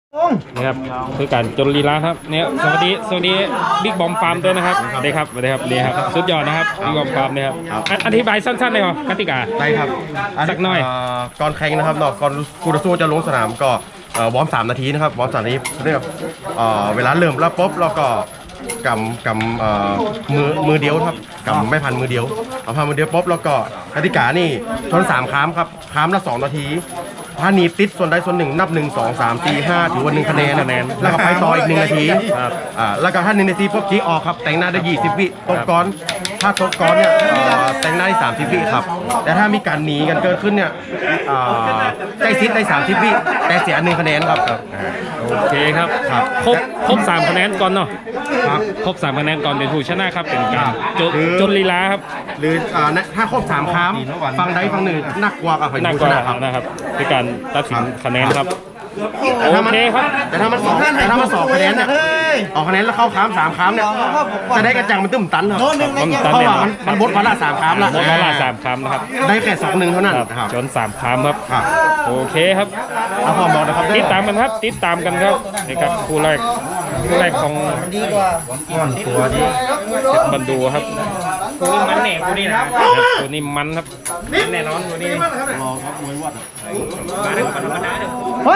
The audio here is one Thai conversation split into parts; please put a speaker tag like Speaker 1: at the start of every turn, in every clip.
Speaker 1: นี่ครับคือการจนลีลาครับเนี่ยสวัสดีบิ๊กบอมฟาร์มด้วยนะครับสวัสดีครับนี่ครับสุดยอดนะครับบิ๊กบอมฟาร์มเนี่ยครับอธิบายสั้นๆเลยเหรอกติกา
Speaker 2: ได้ครับ
Speaker 1: สักหน่อย
Speaker 2: ก่อนแข่งนะครับก่อนคู่ต่อสู้จะลงสนามก็วอร์ม3 นาทีนะครับวอร์ม3 นาทีเรียกเวลาเริ่มแล้วปุ๊บเราก็กำมือเดียวครับกำไม่พันมือเดียวเอาพันมือเดียวปุ๊บแล้วก็กติกานี่ชน3 ครั้งครับครั้งละ2 นาทีถ้าหนีติดส่วนใดส่วนหนึ่งนับ1 2 3 4 5ถือว่า1 คะแนนแล้วก็ไปต่ออีก1 นาทีแล้วก็ถ้า1 นาทีปุ๊บจี้ออกครับแต่งหน้าได้20 วิตกก้อนถ้าตกก้อนเนี่ยแต่งหน้าได้30 วิครับแต่ถ้ามีการหนีกันเกิดขึ้นเนี่ยใจซิดได้30 วิแต่เสีย1 คะแนนครับ
Speaker 1: โอเคครับครบ3 คะแนนก่อนเนาะครบ3 คะแนนก่อนเป็นผู้ชนะครับเป็นการจนลีลาครับ
Speaker 2: หรือถ้าครบ3 ครั้งฟังใดฟังหนึ่งนักกว่ากับผู้ช
Speaker 1: นะครับในการตัดสินคะแนนครับโอเคครับ
Speaker 2: แต่ถ้ามัน2 คะแนนเนี่ยออกคะแนนแล้วเข้าค้าม3 ครั้งเนี่ยจะได้กระจังมันตึ้มตันครับเพราะว่ามันบดวันละ3 ครั้งละ
Speaker 1: วันละ3 ครั้งนะครับ
Speaker 2: ได้แค่2-1เท่านั้น
Speaker 1: จน3 ครั้งครับโอเคครับ
Speaker 2: พอบอกนะครับ
Speaker 1: ติดตามกันครับนี่ครับคู่แรกของ
Speaker 3: ดีกว่า
Speaker 2: ตัวนี้
Speaker 1: บันดูครับ
Speaker 3: คู่นี้มันแหน่คู่นี้นะ
Speaker 1: ตัวนี้มันครับ
Speaker 3: แน่นอนคู่นี้รอครับมวยวัดมาเด้อมาธรรมดาเด้อ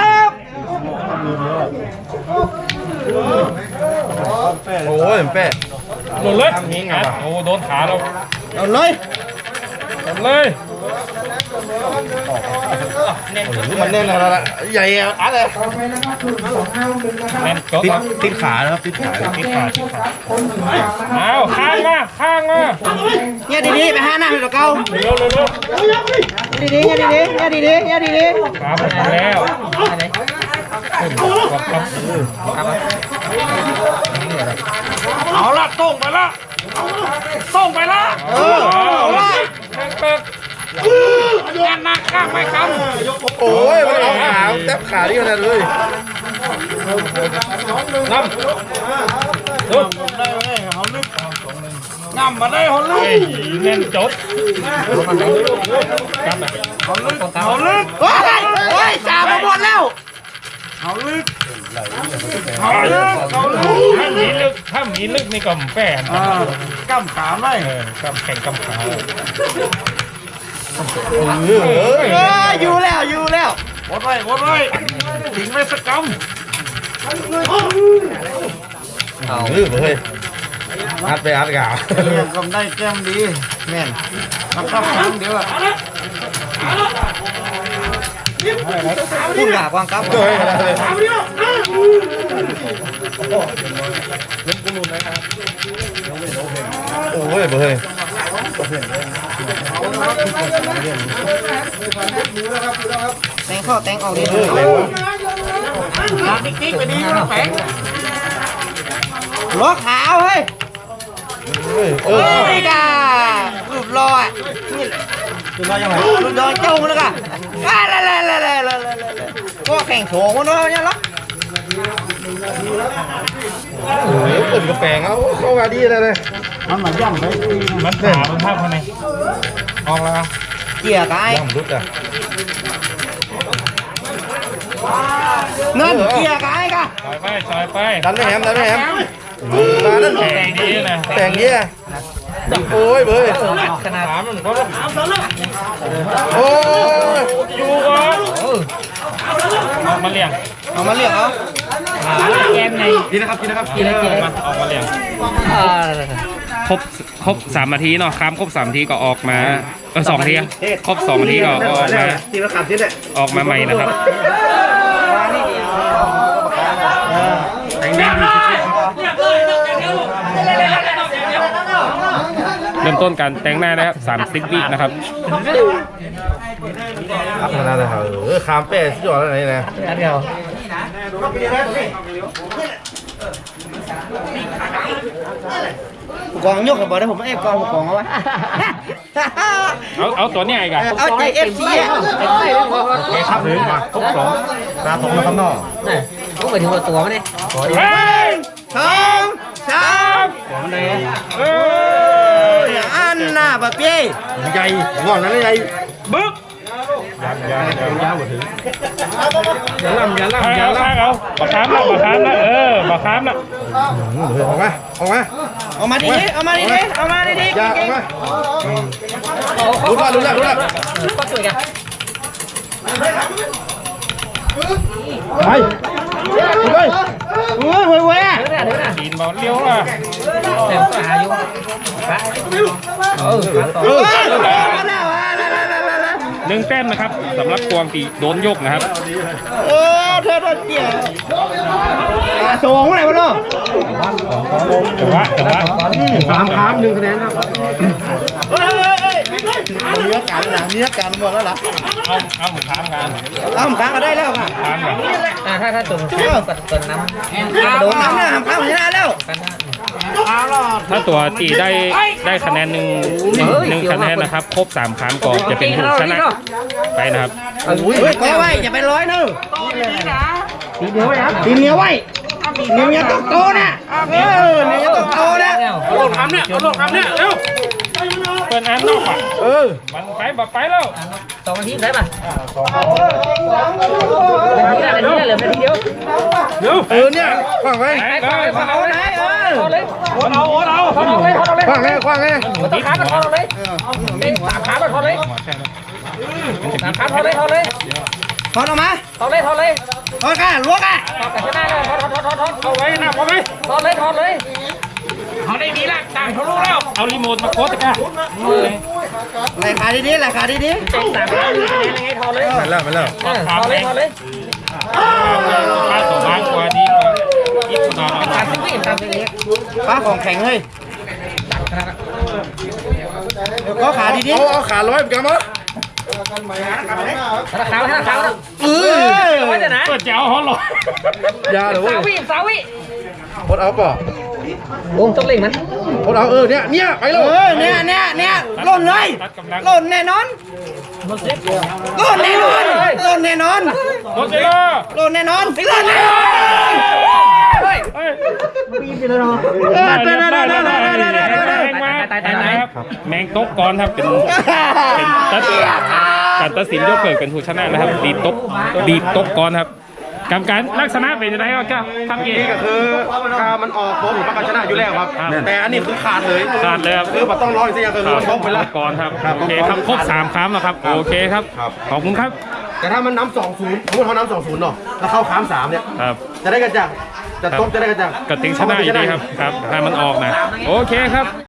Speaker 2: โอ้ยเป๊ะ
Speaker 1: โดนเลยโอ้โดนขาเรา
Speaker 3: เลย
Speaker 2: มันแน่นแล้วล่ะใหญ่อัดเลย
Speaker 1: แน่น
Speaker 2: ติดขานะครับติดขา
Speaker 1: เอาข้างมา
Speaker 3: เนี่ยดีๆไป5 หน้าให้เราเก้า
Speaker 1: เร็ว
Speaker 3: ดีๆ
Speaker 1: ครับแล้วเอาละส่งไปละงานหนักข้างไปครับ
Speaker 2: โอ้ยมันเอาขาแทบขาที่ขนาดเลย
Speaker 1: งำมาได้หอนลึกเน้นจบเอาลึก
Speaker 3: โอ้ยจ่ามาหมดแล้ว
Speaker 1: เอาลึกถ้ามีลึกนี่ก็แป้ง
Speaker 3: กำขาไม่
Speaker 1: กำแข่งกำขา
Speaker 3: อยู่แล้ว
Speaker 1: วดไว้ถึงไม่สักกำ
Speaker 2: เอาเฮ้ยอัดกาว
Speaker 3: กำได้แก้มดีแม่นมันเข้าครั้งเดียวพูดหยาบวางกับ
Speaker 2: โอ้ยเฮ้ย
Speaker 3: แตงเข้าแตงออกดีติ๊กไปดีนะแฝงล้อขาวเฮ้ยการูปรออ่ะรูปรอยังไงรูปรอเจ้าเลยกะก็แข่งโฉมกันเนาะเนี่ยหรอ
Speaker 2: เปิดกระแปงเอาเข้ามาดีเลย
Speaker 3: มันมาย่ำเลย
Speaker 1: มันขามันภาพภายในออกแล้ว
Speaker 3: เกี่ยกาย
Speaker 2: ย่ำรุดอ่ะ
Speaker 3: เงินเกี่ยกายกะ
Speaker 1: ซอยไป
Speaker 2: ดันได้แฮมมานั่น
Speaker 1: แต่งดีนะ
Speaker 2: แต่งเงี้ยโอ้ยเบ้ย
Speaker 3: ขนาด
Speaker 1: มันก็
Speaker 2: โอ้ย
Speaker 1: อยู่ก่อนมาเลี้ยง
Speaker 3: เอาแกมใน
Speaker 2: กินนะครับ
Speaker 1: มาออกมาเลี้ยงครบ3 นาทีเนาะครบ3 นาทีก็ออกมา2 นาทีครบ2 นาทีก็ออกมาใหม่นะครับเริ่มต้นการแต่งหน้านะครับ30 วินะครับ
Speaker 2: ขนาดไหนคามเป้สุดยอดอะไรนะ
Speaker 3: เดียวกองยกกับบอลได้ผมไม่กองเอาไว้
Speaker 1: เอาตัวนี้ไงกัน
Speaker 3: เอาใจFCอ่ะ
Speaker 2: ครับหรือมาครบ2ตาตรงแล้วครับน้อง
Speaker 3: ก็ไปถึงตัวมันเนี่ย2 3ของไหนอันน่ะแบบพี่
Speaker 2: ใหญ่งอนนั้นใหญ่
Speaker 1: บึ๊ก
Speaker 3: อย่าล่ำอย่าล่ำ
Speaker 1: ข้าง
Speaker 3: อย่า
Speaker 1: เอา
Speaker 3: ล่
Speaker 1: ข้างเอาบักขามนะบักขามนะบักขามนะ
Speaker 2: ออกมาออกมา
Speaker 3: ำเอามาดิเอามาดิเอามาดิ
Speaker 2: อย่าออกมารู้แล้ว
Speaker 3: ก็สวยกัน
Speaker 2: ไปไปเฮ้ยเฮ้ยอ่ะ
Speaker 1: กินบอลเลี้ยวอ่ะ
Speaker 3: แต่ก็หาอยู่
Speaker 1: 1 แต้มนะครับสำหรับกวางตีโดนยกนะครับ
Speaker 3: เธอเกี่ยวส่งอะไรมาเนาะ
Speaker 1: แต่ว่า
Speaker 2: 3 ครั้ง1 คะแนนครับ
Speaker 1: เอาหมูค้างกัน
Speaker 3: เอาค้างก็ได้แล้วค่ะ
Speaker 1: ค้างกัน
Speaker 3: ถ้าตุ่มตุ่มน้ำโดนน้ำนะค้างชนะแล้ว
Speaker 1: ถ้าตัวตีได้คะแนนหนึ่งคะแนนนะครับครบ3 ครั้งก็จะเป็นผู้ชนะไปนะครับ
Speaker 3: ก็ไว้อย่าไปร้อยนึงตีเหนียวไว้ครับตีเหนียวไว้เหนียวต้องโตนะเหนียวต้องโตนะ
Speaker 1: โลดคำเนี่ยโลดคำเนี่ยเร็วเปิดอันนอกอ่ะมันไปแบบไปแล้ว
Speaker 3: 2 นาทีได้ป่ะนาทีเหลือนาทีเดียว
Speaker 1: เร็ว
Speaker 2: เนี่ยขวางไว้
Speaker 3: เอาไหนเลย
Speaker 1: โอนเอาเลย
Speaker 2: ขวางไงขวางไง
Speaker 3: ต้องขามาทอนเลยเป็น3 ขามาทอนเลย3 ขาทอนเลยทอนออกมาทอนเลยทอนกันลวกอ่ะแต่ชนะแล้วทอน
Speaker 1: เอาไว้นะเอาไว้
Speaker 3: ทอนเลย
Speaker 1: เขาได้ดีละต่างเขารู้แล้วเอารีโมทมาโค้ดตะก้า
Speaker 3: ไหลขาดีเป็น3 ขาดียังไงทอนเลย
Speaker 2: มาแล้ว
Speaker 3: ทอนเลย
Speaker 1: ค่าตัวบ้านกว่าดีกว่าอีกคนนอนเอา
Speaker 3: ตามที่เล็กป้าของแข็งเลยก็ขาดี
Speaker 2: เอาขาร้อยเหมือนกันมั้ย
Speaker 3: ขาวว่าจะนะ
Speaker 1: เปิดเจ้าฮอลล์
Speaker 2: ยาหรือว่า
Speaker 3: สาวิ
Speaker 2: พดเอาป่ะ
Speaker 3: ลุงต้องเล่งมัน
Speaker 2: พดเอาเนี่ยไปเลย
Speaker 3: เนี่ยล่นเลยล่นแน่นอนล่นแน่นอน
Speaker 1: หมดเลยล่ะ
Speaker 3: ล่นแน่นอน
Speaker 1: แมงตกก่อนครับเป็นการตัดสินยกเกิดเป็นผู้ชนะนะครับดีตกก่อนครับกรรมการลักษณะเป็นยังไงครับทำเอง
Speaker 2: นี่ก็คือคามันออกโค้งหรือประกันชนะอยู่แล้วครับแต่อันนี้คือขาดเลย
Speaker 1: ครับ
Speaker 2: คือแบบต้องร้อยสิอย่างคือมันตกไปแล้ว
Speaker 1: ก่อนครับโอเคครับครบ3 ครั้งแล้วครับโอเคครับขอบคุณครับ
Speaker 2: แต่ถ้ามันน้ำ2-0สมมติเขาน้ำ2-0เนาะแล้วเข้าค้าม3เนี่ย
Speaker 1: ครับ
Speaker 2: จะได้กันจังจะตกจะได้กันจัง
Speaker 1: กระติงชนะอยู่ดีครับให้มันออกนะโอเคครับ